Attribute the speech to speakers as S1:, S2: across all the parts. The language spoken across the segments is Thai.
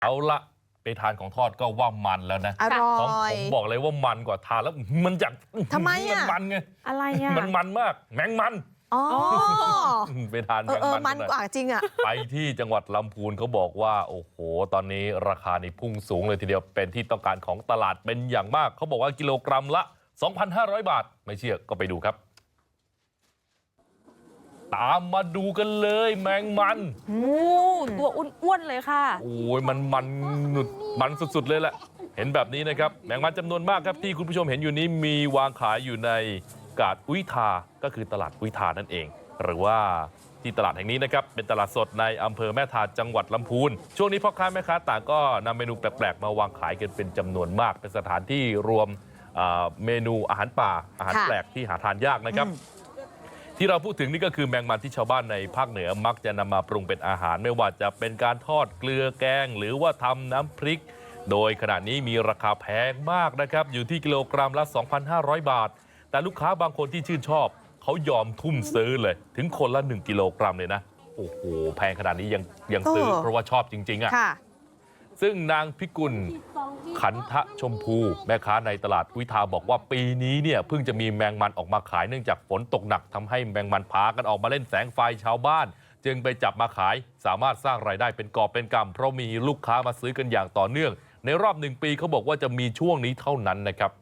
S1: เอาละไปทานของทอดก็ว่ามันแล้วนะ
S2: อร่
S1: ของ
S2: อย
S1: ผมบอกเลยว่ามันกว่าทานแล้วมันจาก
S2: ทำไม
S1: มัน
S2: อ่ะ
S1: มันไง
S3: อะไรอ่ะ
S1: มันมากแมงมัน
S2: อ๋อ
S1: ไปทานแมงมัน
S2: มันกว่าจริงอ่ะ
S1: ไปที่จังหวัดลำพูนเขาบอกว่าโอ้โหตอนนี้ราคานี่พุ่งสูงเลยทีเดียวเป็นที่ต้องการของตลาดเป็นอย่างมากเขาบอกว่ากิโลกรัมละ 2,500 บาทไม่เชื่อก็ไปดูครับตามมาดูกันเลยแมงมัน
S3: ตัวอ้วนๆเลยค่ะ
S1: โอ้ยมันสุดๆเลยแหละเห็นแบบนี้นะครับแมงมันจำนวนมากครับที่คุณผู้ชมเห็นอยู่นี้มีวางขายอยู่ในกาดอุ้ยทาก็คือตลาดอุ้ยทานั่นเองหรือว่าที่ตลาดแห่งนี้นะครับเป็นตลาดสดในอำเภอแม่ทาจังหวัดลำพูนช่วงนี้พ่อค้าแม่ค้าต่างก็นำเมนูแปลกๆมาวางขายกันเป็นจำนวนมากเป็นสถานที่รวมเมนูอาหารป่าอาหารแปลกที่หาทานยากนะครับที่เราพูดถึงนี่ก็คือแมงมันที่ชาวบ้านในภาคเหนือมักจะนำมาปรุงเป็นอาหารไม่ว่าจะเป็นการทอดเกลือแกงหรือว่าทำน้ำพริกโดยขณะนี้มีราคาแพงมากนะครับอยู่ที่กิโลกรัมละ 2,500 บาทแต่ลูกค้าบางคนที่ชื่นชอบเขายอมทุ่มซื้อเลยถึงคนละ1กิโลกรัมเลยนะโอ้โหแพงขนาดนี้ยังซื้อเพราะว่าชอบจริงๆอ่ะซึ่งนางพิกุลขันทะชมพูแม่ค้าในตลาดวิทาบอกว่าปีนี้เนี่ยเพิ่งจะมีแมงมันออกมาขายเนื่องจากฝนตกหนักทำให้แมงมันพากันออกมาเล่นแสงไฟชาวบ้านจึงไปจับมาขายสามารถสร้างรายได้เป็นกอบเป็นกำเพราะมีลูกค้ามาซื้อกันอย่างต่อเนื่องในรอบ1 ปีเขาบอกว่าจะมีช่วงนี้เท่านั้นนะครับ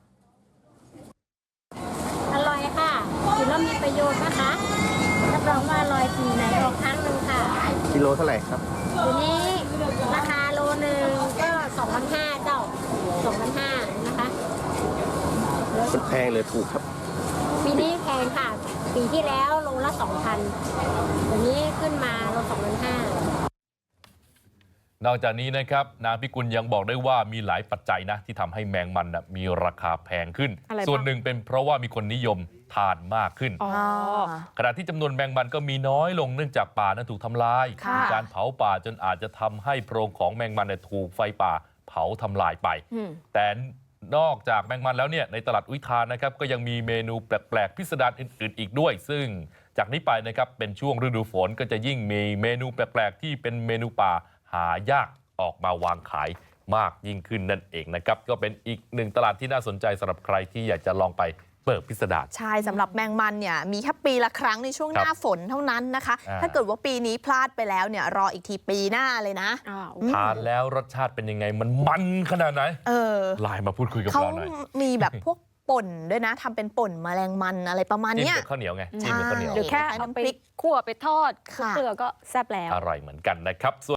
S4: อร่อยค่ะกินแล้วมีประโยชน์นะคะรับรองว่าอร่อยปีไหนออกครั้งหนึ่งค่ะ
S5: กิโลเท่าไหร่ครับ
S4: ทีนี้ราคาโลนึงก็2,500เจ้า2,500นะคะ
S5: มันแพงหรือถูกครับ
S4: ปีนี้แพงค่ะปีที่แล้วโลละ 2,000เดี๋ยวนี้ขึ้นมาโล2,500
S1: นอกจากนี้นะครับนางพิกุลยังบอกได้ว่ามีหลายปัจจัยนะที่ทำให้แมงมันมีราคาแพงขึ้นส่วนหนึ่งเป็นเพราะว่ามีคนนิยมทานมากขึ้นขณะที่จำนวนแมงมันก็มีน้อยลงเนื่องจากป่านั้นถูกทำลายมีการเผาป่าจนอาจจะทำให้โพรงของแมงมันถูกไฟป่าเผาทำลายไปแต่นอกจากแมงมันแล้วเนี่ยในตลาดอุทานนะครับก็ยังมีเมนูแปลกๆพิสดารอื่นๆอีกด้วยซึ่งจากนี้ไปนะครับเป็นช่วงฤดูฝนก็จะยิ่งมีเมนูแปลกๆที่เป็นเมนูป่าหายากออกมาวางขายมากยิ่งขึ้นนั่นเองนะครับก็เป็นอีกหนึ่งตลาดที่น่าสนใจสำหรับใครที่อยากจะลองไปเปิดพิสดาร
S2: ใช่สำหรับแมงมันเนี่ยมีแค่ปีละครั้งในช่วงหน้าฝนเท่านั้นนะคะถ้าเกิดว่าปีนี้พลาดไปแล้วเนี่ยรออีกทีปีหน้าเลยนะ
S1: ทานแล้วรสชาติเป็นยังไงมันขนาดไหนไลน์มาพูดคุยกับเราหน่อย
S2: เขามีแบบพวกป่นด้วยนะทำเป็นป่นแมลงมันอะไรประมาณนี้
S1: จิ้มกับข้าวเหนียวไงจิ้มกับข้าวเหนียว
S3: หรือแค่เอาไปคั่วไปทอดเกลือก็แซ่บแล้ว
S1: อร่อยเหมือนกันนะครับ